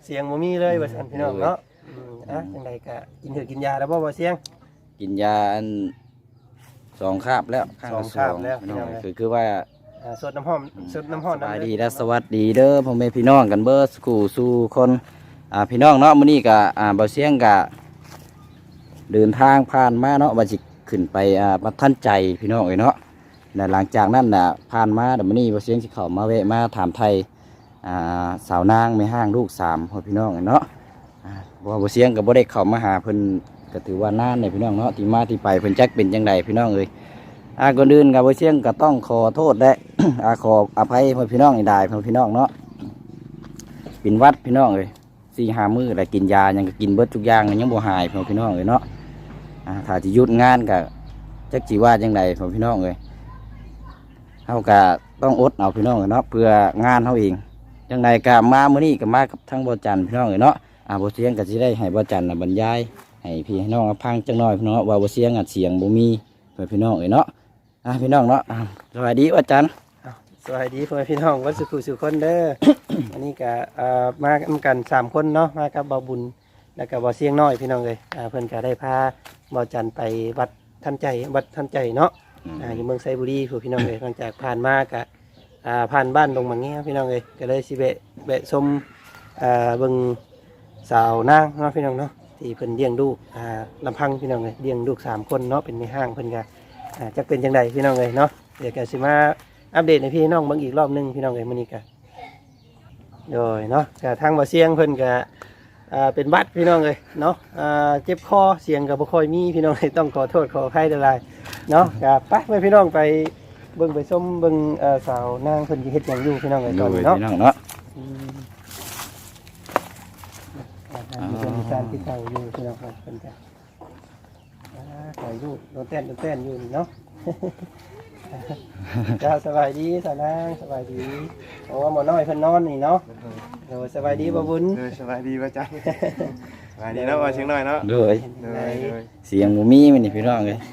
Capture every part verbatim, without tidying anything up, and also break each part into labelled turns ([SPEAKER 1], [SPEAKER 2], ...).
[SPEAKER 1] เสียงบ่มีเลยว่าซั่นพี่น้องเนาะอ่ะจังไดก็กินถือกินยาแล้วบ่บ่เสียง
[SPEAKER 2] กินยาอันสองคาบแล้วข้างละสองคือคือว่า
[SPEAKER 1] สดน้ำหอมสดน้ำหอม
[SPEAKER 2] สบายดีและสวัสดีเด้อพ่อแม่พี่น้องกันเบิดสู่สู่คนอ่าพี่น้องเนาะมื้อนี้ก็อ่าบ่เสียงก็เดินทางผ่านมาเนาะว่าสิขึ้นไปอ่ามาท่านใจพี่น้องเอ้ยเนาะและหลังจากนั้นน่ะผ่านมาเดี๋ยวมื้อนี้บ่เสียงสิเข้ามาแวะมาถามไทยอ่าสาวนางแม่ห้างลูกสามพ่อพี่น้องเนาะอ่าบ่บ่เสียงก็บ่ได้เข้ามาหาเพิ่นก็ถือว่านานเนี่ยพี่น้องเนาะที่มาที่ไปเพิ่นจักเป็นจังไดพี่น้องเอ้ยอ่าก่อนอื่นก็บ่เสียงก็ต้องขอโทษและ อาขออภัยพ่อพี่น้องอีได้พ่อพี่น้องเนาะเป็นวัดพี่น้องเลยสี่ห้ามื้อแล้วกินยายังก็กินเบิดทุกอย่างยังบ่หายพ่อพี่น้องเลยเนาะอ่าถ้าสิหยุดงานก็จักสิว่าจังไดพ่อพี่น้องเลยเฮาก็ต้องอดเอาพี่น้องเนาะเพื่องานเฮาเองจังไดก็มามื้อนี้ก็มากับทั้งบ่จันพี่น้องเลยเนาะอ่าบ่เสียงก็สิได้ให้บ่จันน่ะบรรยายให้พี่ให้น้องฟังจังน้อยพี่น้องว่าบ่เสียงอัดเสียงบ่มีพ่อพี่น้องเลยเนาะอ่าพี่น้องเนาะสวัสดีบ่จัน
[SPEAKER 1] สวัสดีพ่อแม่พี่น้องวัดสุขุสุขคนเด้อ อันนี้ก็มากันสามคนเนาะมากับบ่าวบุญแล้วก็บ่าวเสียงน้อยพี่น้องเลยเพิ่นก็ได้พาบ่าวจันไปวัดท่านใจวัดท่านใจเนาะอยู่เมืองไซบุรีพี่น้องเลยหลังจากผ่านมาก็ผ่านบ้านลงมาเงี้ยพี่น้องเลยก็เลยสิเบะเบะชมเบิ่งสาวนางเนาะพี่น้องเนาะที่เพิ่นเลี้ยงลูกลำพังพี่น้องเลยเลี้ยงลูกสามคนเนาะเป็นในห้างเพิ่นก็จะเป็นจังไดพี่น้องเลยเนาะเดี๋ยวก็สิมาอัปเดตในพี่น้องบางอีกรอบนึงพี่น้องเอ้ยมื้อนี้ก็โดยเนาะก็ทางบ่เสียงเพิ่นก็อ่าเป็นบัดพี่น้องเอ้ยเนาะอ่าเจ็บคอเสียงก็บ่ค่อยมีพี่น้องเอ้ยต้องขอโทษขออภัยหลายๆเนาะก็ไปไปพี่น้องไปเบิ่งไปชมเบิ่งเอ่อสาวนางเพิ่นสิเฮ็ดหยังอยู่พี่น้องเอ้ยตอนนี้เนาะพี่น้องเนาะอืมอ่ามีเพิ่นมีการที่เข้าอยู่พี่น้องเอ้ยเพิ่นก็อ่าขออยู่โดนเต้นโดนเต้นอยู่นี่เนาะ จ้าสบายดีสาวนางสบายดีโอ้หมอน้อยเพิ่นนอนนี่เนาะโอ้สบายดีบ่บุญ
[SPEAKER 3] สบายดีป่ะจ๊ะสบายดีเนาะว่าเชียงน้อยเนาะ
[SPEAKER 2] เลยเสียงบ่มีมันนี่พี่น้องเลย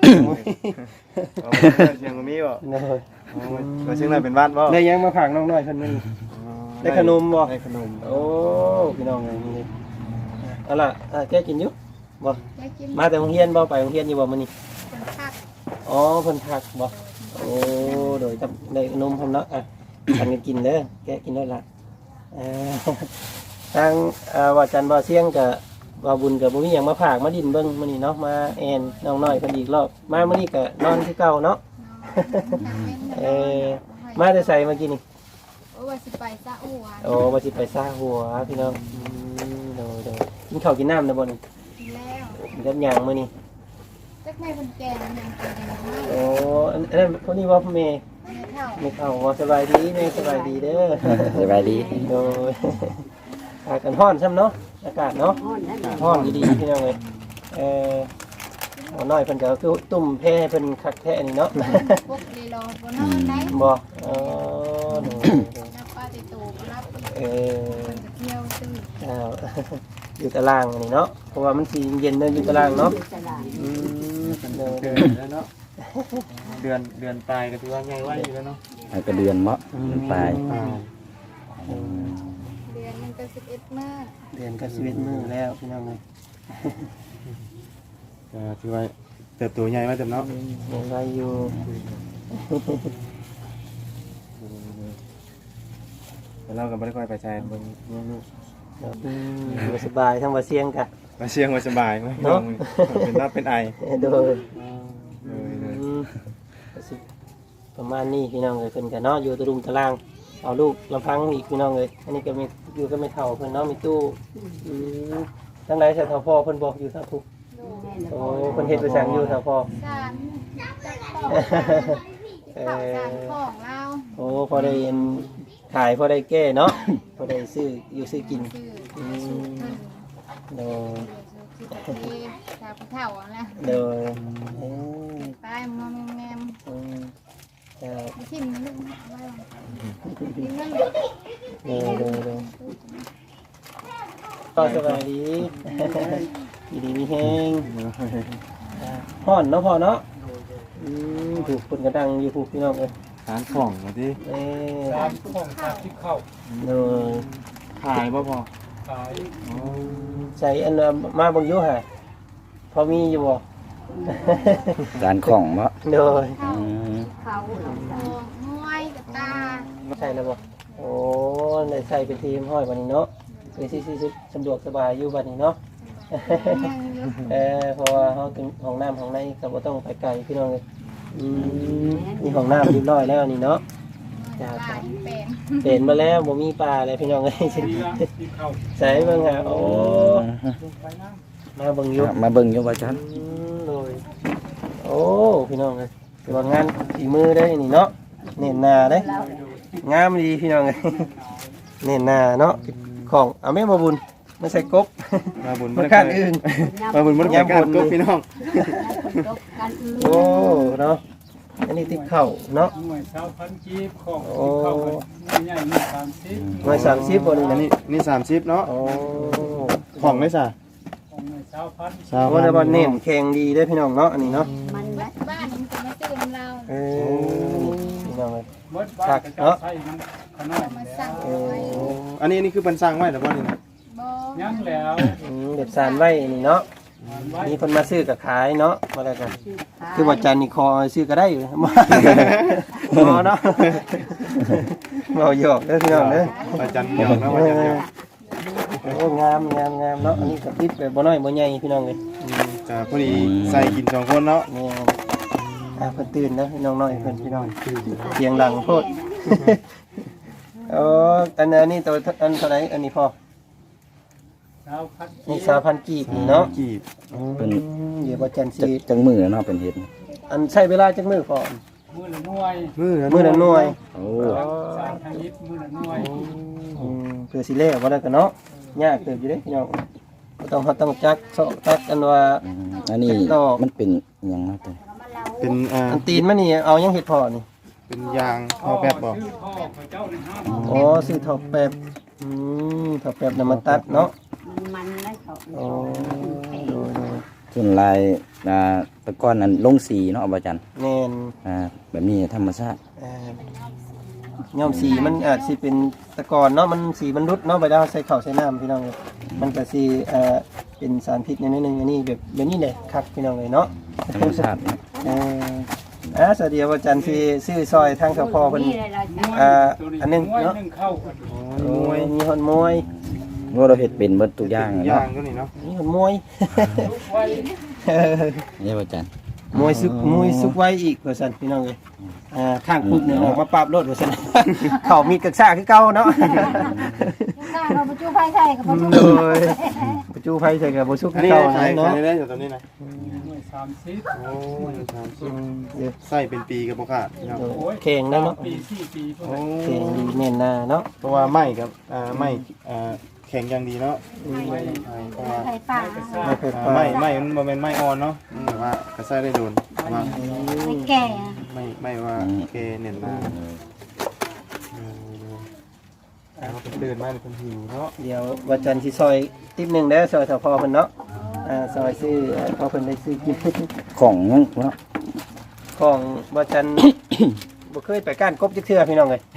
[SPEAKER 3] เชียงบ่มีบ่เลยว่าเชียงน้อยเป็นบ้านบ่
[SPEAKER 1] ได้ยังมาผักน้องน้อยเพิ่นมื้อนี้ได้ขนมบ่
[SPEAKER 3] ได้ขนม
[SPEAKER 1] โอ้พี่น้องเอ้ยนี่เอาล่ะแกกินอยู่บ่มาแต่โรงเรียนบ่ไปโรงเรียนอยู่บ่มื้อนี้อ๋อเพิ่นพักบ่โอ้โดยได้นมพร้อมเนาะอ่ะทันกันกินเด้อแกะกินได้ละอ่าทางอ่าว่าจันบ่เสียงกับว่าบุญกับบ่มีหยังมาฝากมาดินเบิ่งมื้อนี้เนาะมาแอนน้องน้อยเพิ่นอีกรอบมามื้อนี้ก็นอนคือเก่าเนาะเออมาแต่ไสเมื่อกี้นี่
[SPEAKER 4] โอ้ว่าสิไปซะหัว
[SPEAKER 1] โอ้ว่าสิไปซาหัวพี่น้องอืมโดยๆกินข้าวกินน้ำนะบ่นี่
[SPEAKER 4] กินแล้ว
[SPEAKER 1] กินกับหยังมื้อนี้
[SPEAKER 4] จักแม่เพิ่นแก่แล้วยังกินกันไม่
[SPEAKER 1] โอ้อันนั้นคนนี้ว่าพ่อแม่
[SPEAKER 4] ไม่เท่า
[SPEAKER 1] ไม่เท่าว่าสบายดีแม่สบายดีเด้อ
[SPEAKER 2] สบายดี
[SPEAKER 1] โดยอากาศร้อนซ้ำเนาะอากาศเนาะร้อนดีๆพี่น้องเลยเออเอาน้อยเพิ่นก็คือตุ่มแพ้เพิ่นคักแท้นี่เนาะ
[SPEAKER 4] พวกเลยรอบ่นอนได้
[SPEAKER 1] บ่เออโดย
[SPEAKER 4] นับป้าติโตก็รับ
[SPEAKER 1] เออ
[SPEAKER 4] เที่ยวซื้อ
[SPEAKER 1] อ้าวอยู่ตารางนี่เนาะเพราะว่ามันสิเย็นเด้ออยู่ตารางเนาะอืม
[SPEAKER 3] เดือนแล้วเนาะเดือนเดือนตายก็ถือว่าใหญ่ไว้อยู่แล้วเนาะ
[SPEAKER 2] ก็เดือนเนาะปลาย
[SPEAKER 4] เดือนนึงก็สิบเอ็ดมื้อ
[SPEAKER 1] เดือนก็สิบเอ็ดมื้อแล้วพี่น้องเอ้ย
[SPEAKER 3] ก็ถือว่าเติบโตใหญ่มาเต็มเนาะ
[SPEAKER 1] ยังไงอยู่
[SPEAKER 3] แต่เราก็ไม่ได้ค่อยไปใช้บนนู้
[SPEAKER 1] นสบายทั้งว่าเสียงกะ
[SPEAKER 3] มาเชียงมาสบายไหมเนาะเป็นรับเป็นไอ
[SPEAKER 1] โดยประมาณนี้พี่น้องเลยเพิ่นกันเนาะอยู่ตะลุมตะล่างเอาลูกลำพังอีกพี่น้องเลยอันนี้ก็มีอยู่ก็ไม่เท่าเพิ่นเนาะมีตู้ทั้งหลายใส่เท่าพ่อเพิ่นบอกอยู่ท่าทุกโอ้เพิ่นเฮ็ดไปสั่งอยู่ท่าพ่อ
[SPEAKER 4] สารจักของสารของเรา
[SPEAKER 1] โอ้พอได้ขายพอได้แก้เนาะพอได้ซื้ออยู่ซื้อกินอืมโดย
[SPEAKER 4] ชาวเท่าแล้ว
[SPEAKER 1] โดย
[SPEAKER 4] ตายมอมแงมทิมนึงไว้ทิมนึง
[SPEAKER 1] โดยโดยโดยก็สบายดีดีมีแห้งห่อนเนาะพอเนาะถูกคนกระดังอยู่ผูกพี่น้องเลย
[SPEAKER 3] สารของมาดิ
[SPEAKER 1] สารของสารที่เข้าเลย
[SPEAKER 3] ขายบ่พอ
[SPEAKER 1] ข
[SPEAKER 5] ขาย
[SPEAKER 1] ใส่อันน่ะมาเบิ่งอยู่ห่าพอมีอยู่บ่
[SPEAKER 2] จานของบ่
[SPEAKER 1] โดย
[SPEAKER 2] อืม
[SPEAKER 4] เขาเขามวยกับตา
[SPEAKER 1] ใช่แล้วบ่โอ้ได้ใส่เป็นทีมห้อยบัดนี้เนาะคือสิสิสะดวกสบายอยู่บัดนี้เนาะ
[SPEAKER 4] ยังอยู่
[SPEAKER 1] เออเพราะว่าเฮาถึงห้องน้ำห้องในก็บ่ต้องไปไกลพี่น้องเอ้ยอืมมีห้องน้ำเรียบร้อยแล้วนี่เนาะจ้า
[SPEAKER 4] ตา
[SPEAKER 1] จ้า
[SPEAKER 4] เป็น
[SPEAKER 1] เป็นมาแล้วบ่มีปลาเลยพี่น้องเอ้ย
[SPEAKER 5] ที่ละที่เข้า
[SPEAKER 1] ใส่เบิ่งหาโอ้
[SPEAKER 5] ลงไปน้
[SPEAKER 1] มาเบิ่งอยู่
[SPEAKER 2] มาเบิ่งอยู่ว่าจัน
[SPEAKER 1] อืมเลยโอ้พี่น้องเอ้ยถือว่างานฝีมือได้นี่เนาะเน้นหน้าเด้งามดีพี่น้องเอ้ยเน้นหน้าเนาะของเอาแม่มาบุญไม่ใส่กบ
[SPEAKER 3] มาบุญ
[SPEAKER 1] มันข้างอื่น
[SPEAKER 3] มาบุญมันเป็นการกบพี่น้อง
[SPEAKER 1] โอ้เนาะอันนี้ติดเข่าเนาะ
[SPEAKER 5] ำหน่วยเช้าพันกีบของที่เข้าไปใหญ่ๆมีสามสิบ
[SPEAKER 1] หน่วยสามสิบบ่นี่
[SPEAKER 3] อั
[SPEAKER 1] นะ
[SPEAKER 3] นนี้นี่สามสิบเนาะ
[SPEAKER 1] โอ้
[SPEAKER 3] ของได้จ้ะ
[SPEAKER 5] ของหน่วยเช้าพัน
[SPEAKER 3] สาม
[SPEAKER 1] ว่าแต่ว่าเน้นแข็งดีได้อพี่น้องเนาะอันนี้เนาะ
[SPEAKER 4] มันบ้านมันจะมาซื้อของเรา
[SPEAKER 1] เออพี่น้องเอ้ย
[SPEAKER 5] เบิดบ้านก็จะใส่มันขนาด
[SPEAKER 4] มา
[SPEAKER 5] นี้
[SPEAKER 4] สั่ง
[SPEAKER 1] เอ
[SPEAKER 4] เอาไว้
[SPEAKER 1] อ
[SPEAKER 3] อันนี้นี่คือเป็นสร้างไว้หรือว่านี่นะ
[SPEAKER 4] บ่
[SPEAKER 5] ยังแล้ว
[SPEAKER 1] อืมเด็บสารไว้นี่เนาะ
[SPEAKER 5] มันไว้
[SPEAKER 1] มีคนมาซื้อกับขายเนาะมาแล้วกันคือว่าจันนี่คอซื้อก็ได้อยู่ มาหมอเนาะเมาหยอกเด้อพี่น้องเด้อ
[SPEAKER 3] อาจารย์เดียวนะว่าอาจารย์เดียว
[SPEAKER 1] โอ้งามงามงามเนาะอันนี้กับติดแบบบ่น้อยบ่ใหญ่พี่น้องเลยอืม
[SPEAKER 3] จะพอดีใส่กินสองคนเนาะ
[SPEAKER 1] แม่นอ่าเพิ่นตื่นนะพี่น้องน้อยเพิ่นพี่น้องเสียงดังโพดโอ้อันอันนี้ตัวอันเท่าไหร่อันนี้พอ
[SPEAKER 5] เช้าพันกี
[SPEAKER 1] นี่
[SPEAKER 5] บ
[SPEAKER 1] สามพันกีบนี่เนาะ
[SPEAKER 3] กีบ
[SPEAKER 1] อืมเดี๋ยวบ่จัน
[SPEAKER 2] จั
[SPEAKER 1] สิ
[SPEAKER 2] กจังมือเนาะเป็นเฮ็ด
[SPEAKER 1] อันใช้เวลาจักมื้อพอ
[SPEAKER 5] มือละหน่วย
[SPEAKER 3] มือ
[SPEAKER 1] มื้อละหน่วย
[SPEAKER 2] โอ้
[SPEAKER 5] สามพันยิบมือละหน่วย
[SPEAKER 1] อืมเพื่อสิเล่บ่ได้กันเนาะยากเติบอยู่เด้พี่น้องบ่ต้องเฮาต้องจักซอกจักกันว่า
[SPEAKER 2] อืมอันนี้มันเป็นหยังเนาะตัว
[SPEAKER 3] เป็นอ่า
[SPEAKER 1] อันตีนมันนี่เอายังเห็ดพอนี่
[SPEAKER 3] เป็นยางพอแบบบอก
[SPEAKER 5] ชื่อพ่อพระเจ้าในห้าง
[SPEAKER 1] อ๋อซื้อถอดแป๊บอืมถอดแป๊บนำมาตัดเนาะ
[SPEAKER 6] มันได้เขา
[SPEAKER 1] โอ้ดูดู
[SPEAKER 2] ส่วนลายอ่าตะก้อนนั้นลงสีเนาะบ่จัน
[SPEAKER 1] แน่น
[SPEAKER 2] อ่าแบบนี้ธรรมชาติ
[SPEAKER 1] อ่าย้อมสีมันอาจสิเป็นตะกอนเนาะมันสีมันรุดเนาะไปดาวใส่ข้าวใส่น้ำพี่น้องเลยมันก็สิเอ่อเป็นสารพิษนิดนึงอันนี้แบบแบบนี้เลยครับพี่น้องเลยเนาะ
[SPEAKER 2] ธรรมชาติเนาะ
[SPEAKER 1] เอ่ออ่าสวัสดีอาจารย์ที่ซื้อซอยทางเจ้าพ่อเพิ่น
[SPEAKER 6] นี่เลยเราจะ
[SPEAKER 1] อ่า
[SPEAKER 5] ตัว
[SPEAKER 1] อันหนึง
[SPEAKER 5] มวย
[SPEAKER 1] เนาะ
[SPEAKER 5] หนึ่งเข้ากัน
[SPEAKER 1] โอ้ยมีหอนมวย
[SPEAKER 2] ว่าเราเฮ็ดเป็นเบิดทุกอย่าง
[SPEAKER 3] ยา
[SPEAKER 2] เนาะ
[SPEAKER 3] งก็นี่เนาะ
[SPEAKER 1] มีหอนมวย
[SPEAKER 5] ทุกไว้
[SPEAKER 2] นี่บ่จัน
[SPEAKER 1] มวยสุกมวยสุกไว้อีกว่าซั่นพี่น้องเอ้ยอ่าข้างปุ๊บเนี่ยออกมาปราบรถว่าซั่น เข้ามีดกระซ่าคือเก่าเนาะ
[SPEAKER 4] ตาเราไปจู้ไฟใส่กับบ่จู้
[SPEAKER 1] โดยประจูไผใส่กับบ่สุก
[SPEAKER 3] อัน
[SPEAKER 1] คือ
[SPEAKER 3] นี้
[SPEAKER 1] เก่า
[SPEAKER 3] ขาย
[SPEAKER 1] เนาะ
[SPEAKER 3] ขายได้อยู่ตรงนี้นะ
[SPEAKER 5] หน่วยสามสิบ
[SPEAKER 3] โอ้ยสามสิ
[SPEAKER 1] อื
[SPEAKER 3] บ
[SPEAKER 1] มเดี๋ยว
[SPEAKER 3] ใส่เป็นปีกับบ่ขาดพี่น้อง
[SPEAKER 1] โดยแข็งได้เนาะ
[SPEAKER 5] ปีสี่ปีพวก
[SPEAKER 3] โอ้
[SPEAKER 5] นั้น
[SPEAKER 1] แข็งดีแน่นหน้าเนาะ
[SPEAKER 3] เพราะว่าไม้กับอ่าไม้อ่าแข็งอย่างดีเนาะ
[SPEAKER 5] ไว้
[SPEAKER 3] เพราะว่า
[SPEAKER 6] ใส่ป่า
[SPEAKER 5] ไว้กระซ่า
[SPEAKER 1] ไม่เคย
[SPEAKER 3] อ่า
[SPEAKER 1] ปา
[SPEAKER 3] ไม้ไม้มันบ่แม่นไม้อ่อนเนาะมันแบบว่าก็ใส่ได้โดนแต่ว่า
[SPEAKER 6] ไม่แก่
[SPEAKER 3] ไม่ไม่ว่าเคเน้นมาเราเป็นเดินมาเป็นหิวเนาะ
[SPEAKER 1] เดี๋ยวว่าจันทร์สิซอยติ๊บหนึงเด้อซอยถ้าพอเพิ่นเนาะอ่าซอยซื้อพอเพิ่นได้ซื้อกิน
[SPEAKER 2] ของยังเนาะ
[SPEAKER 1] ของว่าจันทร์ บ่เคยไปก้านกบจักเทื่อพี่น้องเอ้ย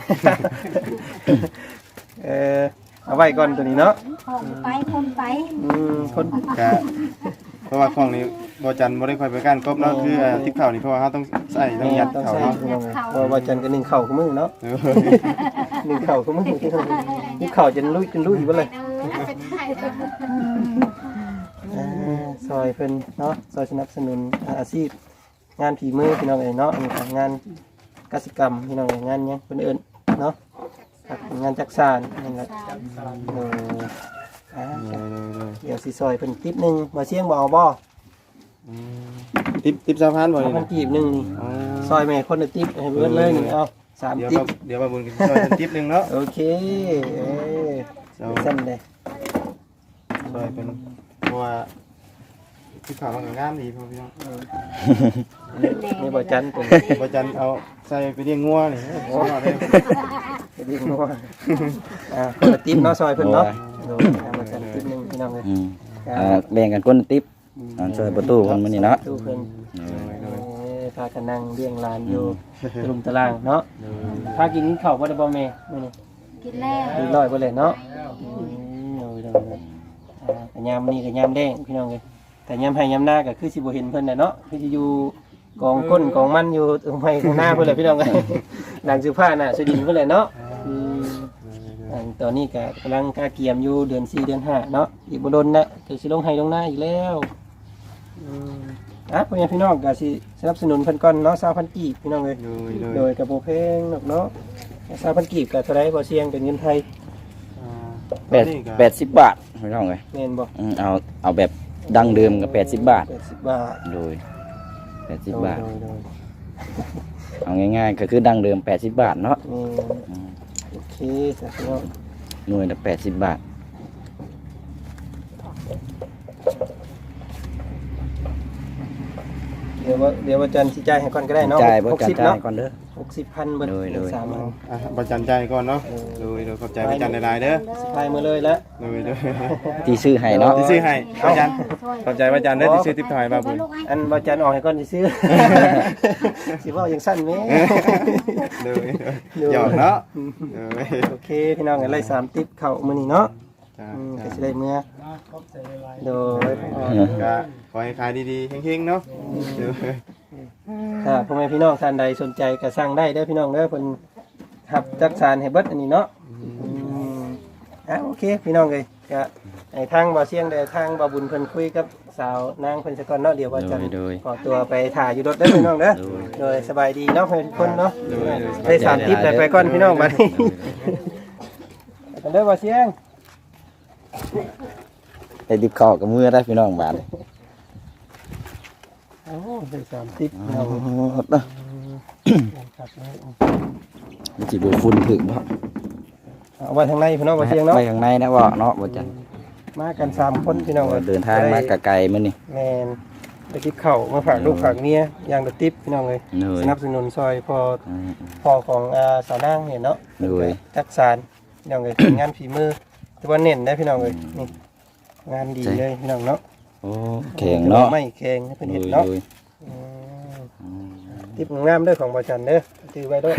[SPEAKER 1] เออเอาไว้ก่อนตัวนี้เนาะ
[SPEAKER 6] ของไปคนไป
[SPEAKER 1] อืมคน
[SPEAKER 3] กะเพราะว่าของนี้บอจันบ่ได้ค่อยไปก้านกบเนาะคือทิพข่าวนี่เพราะว่าเขาต้องใส่ต้องยัด
[SPEAKER 1] ต้อง
[SPEAKER 3] เขา
[SPEAKER 1] ใส่
[SPEAKER 3] เนาะ
[SPEAKER 1] พี่น้องเอ้ยเพราะว่าจันทร์ก็นึ่งข้าวกับมือเนาะ
[SPEAKER 3] เออ
[SPEAKER 1] นึ่งข้าวกับมือพี่น้องเอ้ยนึ่งข้าวจนลุยจนลุยเบ่เลย
[SPEAKER 4] เออเป็นไทย
[SPEAKER 1] อ่าซอยเพิ่นเนาะซอยสนับสนุนอาชีพงานฝีมือพี่น้องเอ้ยเนาะอันนี้ก็งานกสิกรรมพี่น้องเอ้ยงานหยังเพิ่นเอิ้นเนาะครับงานจักสานนั่นแหละเอออ่า เดี๋ยวสิซอยเป็นติ๊บหนึ่งมาเชียงบ่เอาบ่
[SPEAKER 3] ทิปทิปสะพานบ่
[SPEAKER 1] เอา
[SPEAKER 3] นี่
[SPEAKER 1] พัน
[SPEAKER 3] นะ
[SPEAKER 1] กีบหนึ่งนี่ซอยแม่คนละติ๊บให้เบิดเลยนี่เอาสาม
[SPEAKER 3] เดี๋ยว
[SPEAKER 1] ติ๊บ
[SPEAKER 3] เดี๋ยวมาบุญกันซอยเป็นทิปหนึงเนาะ
[SPEAKER 1] โอเคเออ
[SPEAKER 3] ซอ
[SPEAKER 1] สั้นเลย
[SPEAKER 3] ซอยเป็นเพราะว่าทิปข่าวมันก็งามดีพ่อพี่น้อง
[SPEAKER 1] นี่บ่จันเป็น
[SPEAKER 3] บอจันเอาใส่ไปเลี้ยงงัวนี่โอ้โหได้
[SPEAKER 1] ไปดิ้งนัวอ่าคนละติ๊บเนาะซอยเพิ่นเนาะโดยเอามาจันติ๊บหนึ่งพี่น้องเลย
[SPEAKER 2] อืมอ่าแบ่งกันคนละติ๊บอ่าช่วยประตูคนมื้อนี้เนาะ
[SPEAKER 1] ดูเพิ่นเออพากันนั่งเลี้ยงหลานอยู่ตะลุมตะล่างเนาะพากินข้าวบ่ได้บ่แม่มื้อนี้
[SPEAKER 4] กินแล้ว
[SPEAKER 1] เรียบร้อยบ่เลยเนาะอืมโดยโดยอ่าก็ยามนี้ก็ยามแดงพี่น้องเอ้ยแต่ยามให้ยามหน้าก็คือสิบ่เห็นเพิ่นน่ะเนาะคือสิอยู่กองก้นกองมันอยู่ตรงไห้ข้างหน้าเพิ่นแหละพี่น้องเอ้ยหลังเสื้อผ้าน่ะสดินเพิ่นแหละเนาะอืมอันตอนนี้ก็กำลังกาเกียมอยู่เดือนสี่เดือนห้าเนาะอีกบ่โดนนะก็สิลงให้ลงหน้าอีกแล้วอืมอ่ะพ่อแม่พี่น้องก็สิสนับสนุนเพิ่นก่อนเนาะสามพันกีบพี่น้องเอ้ย
[SPEAKER 3] โดยโดย
[SPEAKER 1] โดยกระโปรงเพลงเนาะเนาะสามพันกีบกับเท่าไรบ่เสียงเป็นเงินไทย
[SPEAKER 3] อ่า
[SPEAKER 2] แปดแปดสิบบาทพี่น้องเอ้ย
[SPEAKER 1] แม่นบ่
[SPEAKER 2] อืมเอาเอาแบบดั้งเดิมก็แปดสิบบาท
[SPEAKER 1] แปดสิบบาท
[SPEAKER 2] โดยแปดสิบบาท
[SPEAKER 1] โดยโดย
[SPEAKER 2] เอาง่ายๆก็คือดั้งเดิมแปดสิบบาทเนาะ
[SPEAKER 1] โดย
[SPEAKER 2] อืม
[SPEAKER 1] โอเคสักเนาะ
[SPEAKER 2] หน่วยละแปดสิบบาท
[SPEAKER 1] เดี๋ยวว่าเดี๋ยวว่าจันทร์สิจ่ายให้ก่อนก็ได้เนาะ
[SPEAKER 2] จ่ายบ่
[SPEAKER 1] หก
[SPEAKER 2] จ่าย
[SPEAKER 1] สิบ
[SPEAKER 2] จ่า
[SPEAKER 1] เนาะ
[SPEAKER 2] ยก่อนเด้อ
[SPEAKER 1] หกสิบพันเบิด
[SPEAKER 2] โดยโดย
[SPEAKER 1] สามพัน
[SPEAKER 3] อ่ะบ่จันใจก่อนเนาะโดยโดยขอบใจบ่จันหลายๆเด้อ
[SPEAKER 1] สิพายมาเลยแล้ว
[SPEAKER 3] โดยโดย
[SPEAKER 2] ที่ซื้อให้เนาะ
[SPEAKER 3] ที่ซื้อให้บ่จันขอบใจบ่จันเด้อที่ซื้อติ๊บถอยมาบุญ
[SPEAKER 1] อันบ่จันทร์ออกให้ก่อนสิซื้อ สิเว้าอย่างสั้นแหม
[SPEAKER 3] โดยหยอกเนาะโดย
[SPEAKER 1] โอเคพี่น้องกันไล่สามติ๊บเข้ามื้อนี้เนาะ
[SPEAKER 3] จ้า
[SPEAKER 1] อืมก็
[SPEAKER 3] จ้า
[SPEAKER 1] สิได้เมื่อ
[SPEAKER 5] มาขอบใจหลาย
[SPEAKER 1] โดย
[SPEAKER 3] ก็ขอให้ขายดีๆเฮงๆเนาะโดย
[SPEAKER 1] ถ้าพ่อแม่พี่น้องท่านใดสนใจก็สั่งได้เด้อพี่น้องเด้อเพิ่นรับจักสารให้เบิดอันนี้เนาะอืมอ่ะโอเคพี่น้องเอ้ยก็ให้ทางบ่าวเสียงได้ทางบ่าวบุญเพิ่นคุยกับสาวนางเพิ่นซะก่อนเนาะเดี๋ยวว่าจะ
[SPEAKER 2] โดยโดย
[SPEAKER 1] ขอตัวไปถ่ายอยู่รถเด้อพี่น้องเด้อ
[SPEAKER 2] โดย
[SPEAKER 1] โดยสบายดีเนาะเพิ่นทุกคนเนาะ
[SPEAKER 3] โดยโดย
[SPEAKER 1] ได้สามทิปได้ไปก่อนพี่น้องบัดนี้ไปกันเด้อบ่าวเสียง
[SPEAKER 2] ได้ดิบข้าวกับมือได้พี่น้องบาท
[SPEAKER 1] โอ้ได้สามทิป
[SPEAKER 2] เอา
[SPEAKER 1] เอา
[SPEAKER 2] เนาะ
[SPEAKER 1] ครับ
[SPEAKER 2] มันสิบ่ฝุ่นถึงบ่
[SPEAKER 1] เอาไว้ทางในพี่น้องบ่าวเสียงเนาะ
[SPEAKER 2] ไปข้างในนะว่าเนาะบ่จัน
[SPEAKER 1] มากันสามคนพี่น้องอ้ย
[SPEAKER 2] เดินทางมากะไกลมื้อนี่
[SPEAKER 1] แมนไปทิปเข่ามาฝากลูกฝากเมียอย่างละทิปพี่น้องเลย
[SPEAKER 2] เหนื่อย
[SPEAKER 1] สนับสนุนซอยพอ
[SPEAKER 2] อืม
[SPEAKER 1] พอของอาสาวนางเนี่ยเนาะ
[SPEAKER 2] เหนื่อย
[SPEAKER 1] จักสารพี่น้องเลยเป็นงานฝีมือที่ว่าเน้นได้พี่น้องเลยนี่งานดีเลยพี่น้องเนาะ
[SPEAKER 2] โอ้แข็งเนาะ
[SPEAKER 1] ไม่แข็งให้เป็น
[SPEAKER 2] โด
[SPEAKER 1] เห็ด
[SPEAKER 2] ย
[SPEAKER 1] เนาะ
[SPEAKER 2] โดย
[SPEAKER 1] อืม
[SPEAKER 2] อืม
[SPEAKER 1] ทิปงามเด้อของบอจันเด้อถือไว้ด้วย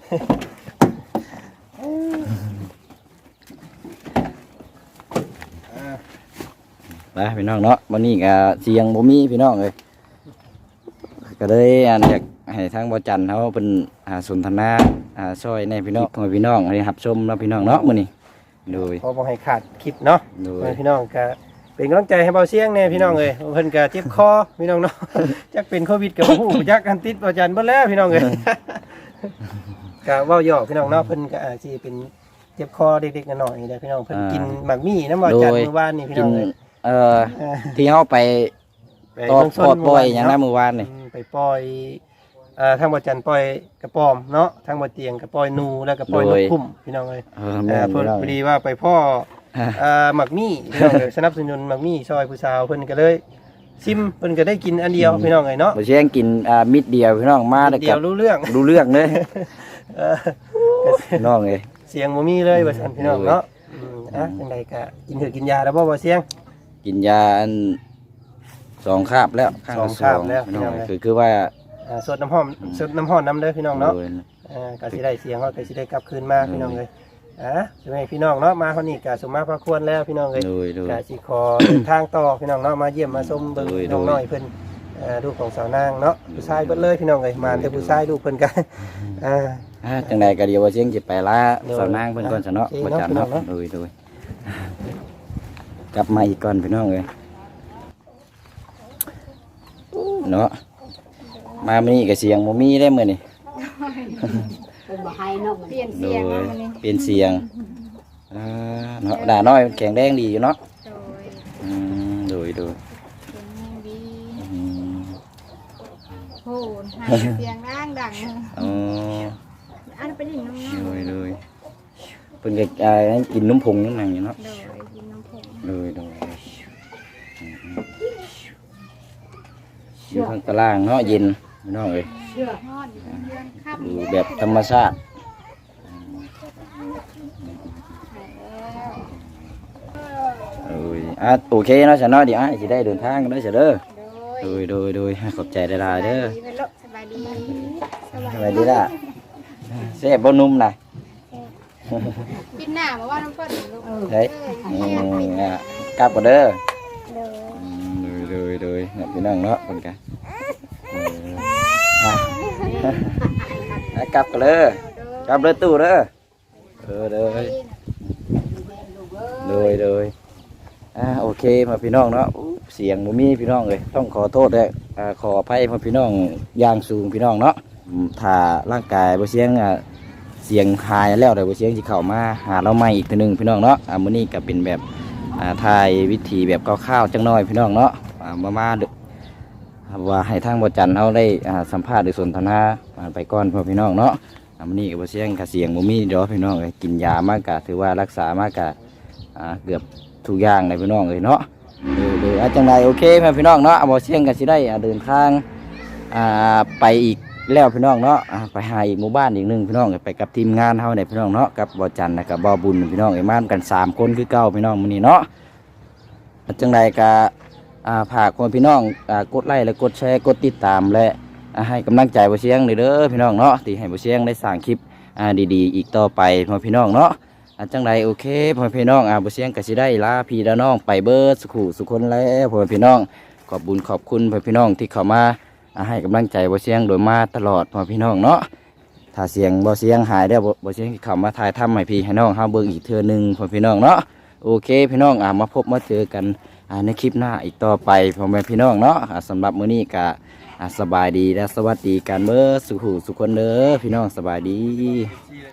[SPEAKER 2] ไปพี่น้องเนาะวันนี้ก็เสียงบ่มีพี่น้องเลยก็เลยอันอยากให้ทางบ่จันเขาเป็นหาสนทนาหาซอยในพี่น้องให้พี่น้องให้รับชมเนาะพี่น้องเนาะมื้อนี้โดย
[SPEAKER 1] พอบอกให้ขาดคลิปเนาะ
[SPEAKER 2] โดย
[SPEAKER 1] พี่น้องก็เป็นกำลังใจให้เบาเสียงแน่พี่น้องเลยเพิ่นก็เจ็บคอพี่น้องเนาะ จักเป็นโควิดกับผู้จักกันติดบอจันเบิดแล้วพี่น้องเลย ก็เว้าหยอกพี่น้องเนาะเพิ่นก็อาจสิเป็นเจ็บคอเด็กๆน้อยๆเด้อพี่น้องเพิ่นกินหมากมี่น้ำบอจันเมื่อวานนี่พี่
[SPEAKER 2] กิ
[SPEAKER 1] น้อน งเลย
[SPEAKER 2] เอ่อที่เฮาไป
[SPEAKER 1] ไป
[SPEAKER 2] ตอด
[SPEAKER 1] เมืงช
[SPEAKER 2] ปลดปล่อยหยัง
[SPEAKER 1] เมื่
[SPEAKER 2] นะ
[SPEAKER 1] วาน
[SPEAKER 2] เมื่อวานนี่
[SPEAKER 1] อืมไปปล่อยเอ่อทางบอจันปล่อยกระปอมเนาะทางบอเตียงกระปล่อยนูแล้วก็ปล่อยนกคุ้มพี่น้องเลย
[SPEAKER 2] เออ
[SPEAKER 1] เอ่
[SPEAKER 2] แม่
[SPEAKER 1] อน เพิ่น
[SPEAKER 2] พี่น้อง
[SPEAKER 1] พอดีว่าไปพ่อเอ่อหมักมี่พี่น้องเลยสนับสนุนหมักมี่ซอยผู้สาวเพิ่นก็เลยซิมเพิ่นก็ได้กินอันเดียวพี่น้องเลยเนาะ
[SPEAKER 2] บ่เชียงกินอ่ามิดเดียวพี่น้องมาได้
[SPEAKER 1] เดี
[SPEAKER 2] กั
[SPEAKER 1] ยว
[SPEAKER 2] บ
[SPEAKER 1] รู้เรื่อง
[SPEAKER 2] รู้เรื่องเลย
[SPEAKER 1] เออ
[SPEAKER 2] พี่น้องเอ้ย
[SPEAKER 1] เสียงบ่มีเลยว่าซั่นพี่น้องเนาะอืมอ่ะจังไดก็กินเถอะกินยาแล้วบ่บ่เสียง
[SPEAKER 2] กินยาอันสองคาบแล้วข้างละ
[SPEAKER 1] สองคาบแล้ว
[SPEAKER 2] พี่น้อง
[SPEAKER 1] พี่น้อง
[SPEAKER 2] คือคือว่า
[SPEAKER 1] อ่าสดน้ำหอมสดน้ำหอมน้ำเด้อพี่น้องเนาะ
[SPEAKER 2] โดย
[SPEAKER 1] อ่าก็สิได้เสียงเขาก็สิได้กลับคืนมาพี่น้องเลยอ่ะใช่ไหมพี่น้องเนาะมาเฮานี่ก็สมมาพระควรแล้วพี่น้องเลย
[SPEAKER 2] โดยโดย
[SPEAKER 1] ก็สิขอเดินทางต่อพี่น้องเนาะมาเยี่ยมมาชมเบิ่ง
[SPEAKER 2] โดย
[SPEAKER 1] น้อง
[SPEAKER 2] โดย
[SPEAKER 1] น้อยเพิ่นเอ่อลูกของสาวนางเนาะผู้ชายเบิดเลยพี่น้องเลยมาแต่ผู้ชายลูกเพิ่นกันอ่า
[SPEAKER 2] อ่าจังใดก็เดี๋ยวว่าเชียงสิไปลา
[SPEAKER 1] โดย
[SPEAKER 2] สาวนางเพิ่นก่อนซะเนาะ
[SPEAKER 1] โอเค
[SPEAKER 2] บ่
[SPEAKER 1] เนาะ
[SPEAKER 2] จัน
[SPEAKER 1] พี่น้อ
[SPEAKER 2] เนาะ
[SPEAKER 1] งเนาะ
[SPEAKER 2] โดยโดยกลับมาอีกก่อนพี่น้องเอ้ยเนาะมามื้อนี้ก็เสียงบ่มีได้มื้อนี้
[SPEAKER 6] เป็นบ่ให้เนาะมัน
[SPEAKER 4] เปลี่ยน
[SPEAKER 2] โด
[SPEAKER 4] เสียง
[SPEAKER 2] ย
[SPEAKER 4] แล้วมันนี่
[SPEAKER 2] เปลี่ยนเสียงอ่าเนาะด่าน้อยแข็งแรงดีอยู่เนาะ
[SPEAKER 4] โดย
[SPEAKER 2] อืมโดยโดย
[SPEAKER 4] เสียงแห้งดี
[SPEAKER 2] อืม
[SPEAKER 4] โหให้เสียงร่างดัง
[SPEAKER 2] อ๋อ
[SPEAKER 4] อันเป็นอย่างน้อง
[SPEAKER 2] โดยโดยเพิ่นก็อ่ากินนมผงนั่นนั่นอยู่เนาะ
[SPEAKER 4] ๆโดยกินน้ำผง
[SPEAKER 2] โดยโดยอืมอยู่ข้างตารางเนาะเย็นพี่น้องเอ้ย
[SPEAKER 4] ทอดอยู่เป็นเดือนค่ำ
[SPEAKER 2] อยู่แบบธรรมชาติ
[SPEAKER 4] หายแล้ว
[SPEAKER 2] เอ้ยอ่ะโอเคเนาะฉันเนาะเดี๋ยวอ่ะสิได้เดินทางกันเด้อเสียเด้อ
[SPEAKER 4] โดย
[SPEAKER 2] โดยโดยโดยขอบใจหลายๆเด้อ
[SPEAKER 4] สบายดีไหมลูกสบายดีสบาย
[SPEAKER 2] สวัสดีล่ะเสพบ่นุ่มน่ะ
[SPEAKER 4] ปิดหน้ามาว่าน้ำเพิ่นลูก
[SPEAKER 2] เฮ้ย
[SPEAKER 4] เอ
[SPEAKER 2] อื
[SPEAKER 4] อ
[SPEAKER 2] มอ่ะกลับก่อนเด้อ
[SPEAKER 4] เด้อ
[SPEAKER 2] อืมเลยเลยเลยพี่น้องเนาะคนกันเอออ่ะอ่ะกลับกันเลยกลับเลยตู้เด้อเออเลยเลยเลยอ่ะโอเคมาพี่น้องเนาะอู้เสียงบ่มีพี่น้องเลยต้องขอโทษด้วยอ่าขออภัยมาพี่น้องอย่างสูงพี่น้องเนาะอืมถ้าร่างกายบ่เสียงอ่ะเสียงหายแล้วแต่บ่เสียงสิเข้ามาหาเราใหม่อีกทีหนึงพี่น้องเนาะอ่ามื้อนี้ก็เป็นแบบอ่าถ่ายวิธีแบบคร่าวๆจังน้อยพี่น้องเนาะอ่ามามาเด้อว่าให้ทางบ่จันเฮาได้อ่าสัมภาษณ์หรือสนทนาอ่าไปก่อนพ่อพี่น้องเนาะอ่ามื้อนี้ก็บ่เสียงก็เสียงบ่มีดอกพี่น้องเอ้ยกินยามากก็ถือว่ารักษามากก็อ่าเกือบทุกอย่างเลยพี่น้องเอ้ยเนาะเออเด้ออ่ะจังไดโอเคพ่อพี่น้องเนาะบ่เสียงก็สิได้อ่าเดินทางอ่าไปอีกแล้วพี่น้องเนาะอ่าไปหาอีกหมู่บ้านอีกหนึงพี่น้องไปกับทีมงานเฮาเนี่ยพี่น้องเนาะกับบ่จันและกับบ่บุญพี่น้องเอ้ยมากันสามคนคือเก่าพี่น้องมื้อนี้เนาะอ่ะจังไดก็อ่าฝากคนพี่น้องอ่ากดไลค์และกดแชร์กดติดตามและอ่าให้กำลังใจบ่เสียงเด้อพี่น้องเนาะที่ให้บ่เสียงได้สร้างคลิปอ่าดีๆอีกต่อไปพ่อพี่น้องเนาะอ่าจังไดโอเคพ่อพี่น้องอ่าบ่เสียงก็สิได้ลาพี่ลาน้องไปเบิดสุขสุขคนแล้วพ่อพี่น้องขอบบุญขอบคุณพ่อพี่น้องที่เข้ามาอ่าให้กำลังใจบ่เสียงโดยมาตลอดพ่อพี่น้องเนาะถ้าเสียงบ่เสียงหายได้วบ่บ่เสียงสิเข้ามาถ่ายทำให้พี่ให้น้องเฮาเบิ่งอีกเทื่อหนึงพ่อพี่น้องเนาะโอเคพี่น้องอ่ามาพบมาเจอกันอ่าในคลิปหน้าอีกต่อไปพ่อแม่พี่น้องเนาะอ่าสำหรับมื้อนี้ก็อ่าสบายดีและสวัสดีกันเบิดสุขสุขคนเด้อพี่น้องสบายดี